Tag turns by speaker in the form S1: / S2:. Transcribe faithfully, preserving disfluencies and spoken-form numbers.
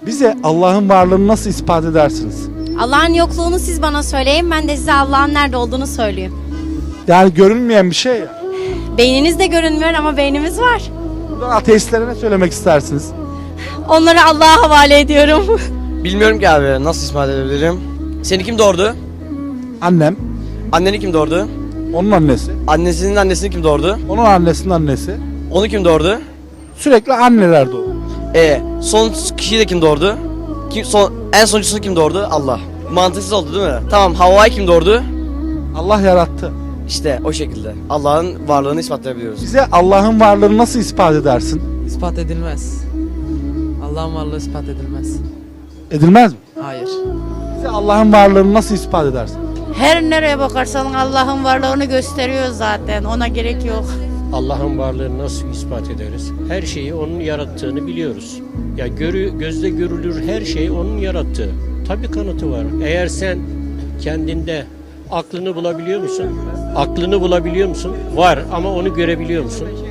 S1: Bize Allah'ın varlığını nasıl ispat edersiniz?
S2: Allah'ın yokluğunu siz bana söyleyin, ben de size Allah'ın nerede olduğunu söyleyeyim.
S1: Yani görünmeyen bir şey ya.
S2: Beyniniz de görünmüyor ama beynimiz var.
S1: Buradan ateistlere ne söylemek istersiniz?
S2: Onları Allah'a havale ediyorum.
S3: Bilmiyorum ki abi, nasıl ispat edebilirim? Seni kim doğurdu?
S1: Annem,
S3: Anneni kim doğurdu?
S1: onun annesi,
S3: Annesinin annesini kim doğurdu?
S1: onun annesinin annesi.
S3: Onu kim doğurdu?
S1: Sürekli anneler doğuyor.
S3: E son kişiyi de kim doğurdu? Kim, son, en sonuncusunu kim doğurdu? Allah. Mantıksız oldu değil mi? Tamam, Havva'yı kim doğurdu?
S1: Allah yarattı.
S3: İşte o şekilde. Allah'ın varlığını ispatlayabiliyoruz.
S1: Bize Allah'ın varlığını nasıl ispat edersin?
S4: İspat edilmez. Allah'ın varlığı ispat edilmez.
S1: Edilmez mi?
S4: Hayır.
S1: Bize Allah'ın varlığını nasıl ispat edersin?
S5: Her nereye bakarsan Allah'ın varlığını gösteriyor zaten. Ona gerek yok.
S6: Allah'ın varlığını nasıl ispat ederiz? Her şeyi onun yarattığını biliyoruz. Ya görü, gözle görülür her şey onun yarattığı. Tabii kanıtı var. Eğer sen kendinde aklını bulabiliyor musun? Aklını bulabiliyor musun? Var ama onu görebiliyor musun?